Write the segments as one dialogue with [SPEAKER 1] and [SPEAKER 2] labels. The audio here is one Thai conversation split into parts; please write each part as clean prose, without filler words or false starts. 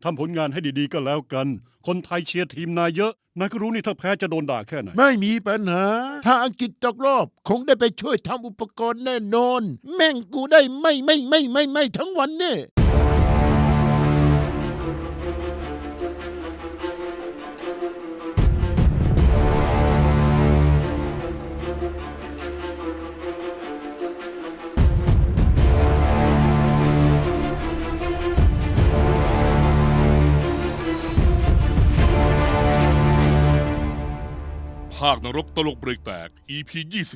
[SPEAKER 1] ทำผลงานให้ดีๆก็แล้วกันคนไทยเชียร์ทีมนายเยอะนายก็รู้นี่ถ้าแพ้จะโดนด่าแค่ไหน
[SPEAKER 2] ไม่มีปัญหาถ้าอังกฤษตกรอบคงได้ไปช่วยทำอุปกรณ์แน่นอนแม่งกูได้ไม่ทั้งวันเนี่ย
[SPEAKER 3] ภาคนรกตลกเบรกแตก EP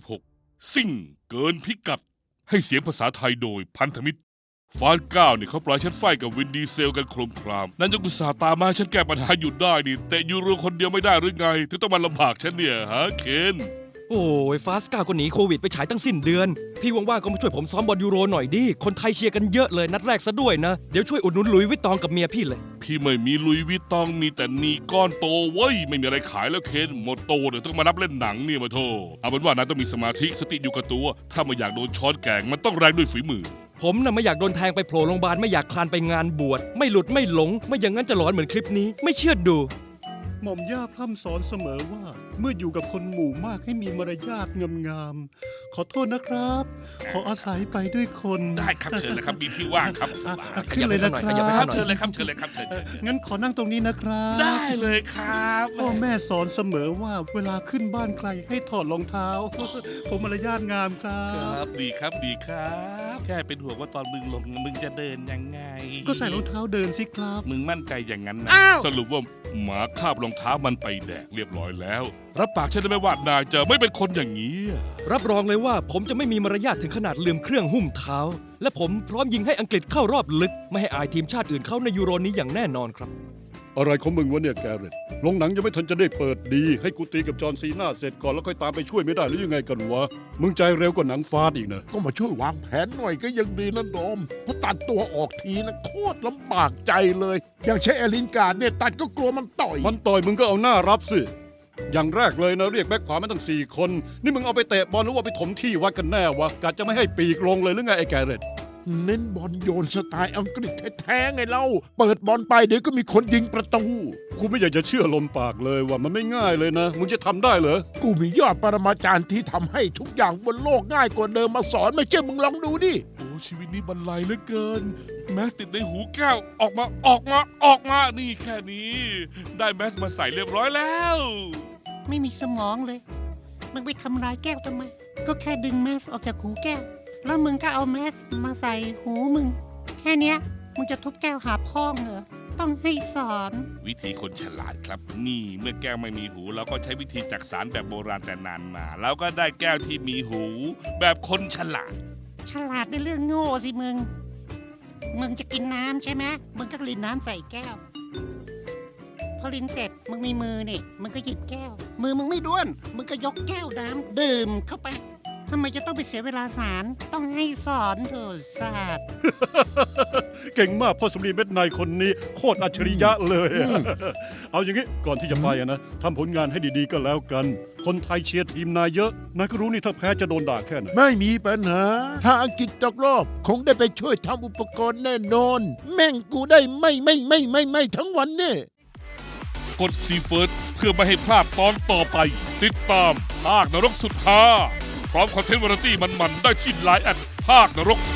[SPEAKER 3] 26 ซิ่งเกินพิกัด ให้เสียงภาษาไทยโดยพันธมิตร ฟานก้าวเนี่ยเขาปล่อยฉันไฟกับวินดีเซลกันโครมคราม นั่นยังกุศาตามมาฉันแก้ปัญหาหยุดได้นี่แต่ยูโรคนเดียวไม่ได้หรือไง ถึงต้องมาลำบากฉันเนี่ยฮะเคน
[SPEAKER 4] โอ้ยฟาสก้าก็หนีโควิดไปฉายตั้งสิ้นเดือน พี่ว่างๆก็มาช่วยผมซ้อมบอลยูโรหน่อยดิคนไทยเชียร์กันเยอะเลยนัดแรกซะด้วยนะ เดี๋ยวช่วยอุดหนุนหลุยส์วิตตองกับเมียพี่เลย
[SPEAKER 3] พี่ไม่มีลุยวิตตองมีแต่นีก้อนโตเว้ยไม่มีอะไรขายแล้วเคนหมดโตเดี๋ยวต้องมารับเล่นหนังเนี่ยมาโทเอาเป็นว่านายต้องมีสมาธิสติอยู่กับตัว ถ้าไม่อยากโดนช้อนแกงมันต้องแรงด้วยฝีมือ
[SPEAKER 4] ผมน่ะไม่อยากโดนแทงไปโผล่โรงพยาบาลไม่อยากคลานไปงานบวชไม่หลุดไม่หลง ไม่อย่างนั้นจะหลอนเหมือนคลิปนี้ไม่เชื่อดู
[SPEAKER 1] หม่อมย่าพร่ำสอนเสมอว่าเมื่ออยู่กับคนหมู่มากให้มีมารยาทงามๆขอโทษนะครับ ขออาศัยไปด้วยคน
[SPEAKER 3] ได้ครับเชิญเลยครับมีที่ว่างครับ
[SPEAKER 1] ขึ้นเลยนะค
[SPEAKER 4] ขยับไป
[SPEAKER 1] รั
[SPEAKER 4] ข้า
[SPEAKER 1] บ
[SPEAKER 4] งหน่อย
[SPEAKER 3] เชิญเลยครับเชิญเลยครับเชิญ
[SPEAKER 1] งั้นขอนั่งตรงนี้นะครับ
[SPEAKER 3] ได้เลยครับ
[SPEAKER 1] พ่อแม่สอนเสมอว่าเวลาขึ้นบ้านใครให้ถอดรองเท้า ผมมารยาทงามครั
[SPEAKER 3] ครับ บดีครับดีครับ แค่เป็นห่วงว่าตอนมึงลงมึงจะเดินยังไง
[SPEAKER 1] ก็ใส่รองเท้าเดินสิครับ
[SPEAKER 3] มึงมั่นใจอย่างนั้นนะ
[SPEAKER 2] อ้าว
[SPEAKER 3] สรุปว่าหมาคาบรองเท้ามันไปแดกเรียบร้อยแล้วรับปากฉันได้ไหมว่านายจะไม่เป็นคนอย่างนี้
[SPEAKER 4] รับรองเลยว่าผมจะไม่มีมารยาทถึงขนาดลืมเครื่องหุ้มเท้า และผมพร้อมยิงให้อังกฤษเข้ารอบลึก ไม่ให้อายทีมชาติอื่นเข้าในยูโรนี้อย่างแน่นอนครับ
[SPEAKER 1] อะไรของมึงวะเนี่ยแกเรตโรงหนังยังไม่ทันจะได้เปิดดี ให้กูตีกับจอห์นซีน่าเสร็จก่อนแล้วค่อยตามไปช่วยไม่ได้หรือยังไงกันวะมึงใจเร็วกว่าหนังฟาดอีกนะ
[SPEAKER 2] ก็มาช่วยวางแผนหน่อยก็ยังดีนะโดมเพราะตัดตัวออกทีนะโคตรลำบากใจเลย อย่างเช่นเอลินการ์ดเนี่ยตัดก็กลัวมันต่อย
[SPEAKER 1] มันต่อยมึงก็เอาหน้ารับสิอย่างแรกเลยนะเรียกแบ็คขวามาตั้ง4 คนนี่มึงเอาไปเตะบอลหรือว่าไปถมที่วัดกันแน่วะกะจะไม่ให้ปีกลงเลยหรือไงไอ้แกเรต
[SPEAKER 2] เน้นบอลโยนสไตล์อังกฤษแท้ๆไงเล่าเปิดบอลไปเดี๋ยวก็มีคนยิงประตู
[SPEAKER 1] กูไม่อยากจะเชื่อลมปากเลยว่ามันไม่ง่ายเลยนะ มึงจะทำได้เหรอ
[SPEAKER 2] กูมียอดปรมาจารย์ที่ทำให้ทุกอย่างบนโลกง่ายกว่าเดิมมาสอนไม่เชื่อมึงลองดูดิ
[SPEAKER 3] โอ้ชีวิตนี้บรรลัยเหลือเกิน แมสติดในหูแก้วออกมานี่แค่นี้ ได้แมสมาใส่เรียบร้อยแล้ว
[SPEAKER 5] ไม่มีสมองเลย มึงไปทำลายแก้วทำไม ก็แค่ดึงแมสออกจากหูแก้ว แล้วมึงก็เอาแมสมาใส่หูมึง แค่เนี้ยมึงจะทุบแก้วหาพ่องเหรอ ต้องให้สอน
[SPEAKER 3] วิธีคนฉลาดครับ นี่เมื่อแก้วไม่มีหูเราก็ใช้วิธีจักสารแบบโบราณแต่นานมาเราก็ได้แก้วที่มีหู แบบคนฉลาด
[SPEAKER 5] ฉลาดในเรื่องโง่สิมึง มึงจะกินน้ำใช่ไหมมึงก็รินน้ำใส่แก้ว พอรินเสร็จมึงมีมือนี่มึงก็หยิบแก้ว มือมึงไม่ด้วน มึงก็ยกแก้วน้ำดื่มเข้าไปทำไมจะต้องไปเสียเวลาสารต้องให้สอนเถอะศาสตร์
[SPEAKER 1] เก่งมากพ่อสมรีเม็ดในคนนี้โคตรอัจฉริยะเลยอะเอาอย่างงี้ก่อนที่จะไปอะนะทำผลงานให้ดีๆก็แล้วกัน คนไทยเชียร์ทีมนายเยอะนายก็รู้นี่ถ้าแพ้จะโดนด่าแค่ไหน
[SPEAKER 2] ไม่มีปัญหาถ้าอังกฤษตกรอบคงได้ไปช่วยทำอุปกรณ์แน่นอนแม่งกูได้ไม่ทั้งวันเนี่ย
[SPEAKER 3] กดซีเฟิร์สเพื่อไม่ให้พลาดตอนต่อไป ติดตามภาคนรกสุดฮาพร้อมคอนเทนต์วาไรตี้มันๆได้ที่ไลน์แอดภาคนรก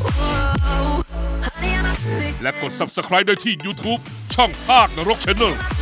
[SPEAKER 3] และกด Subscribe ได้ที่ YouTube ช่องภาคนรก Channel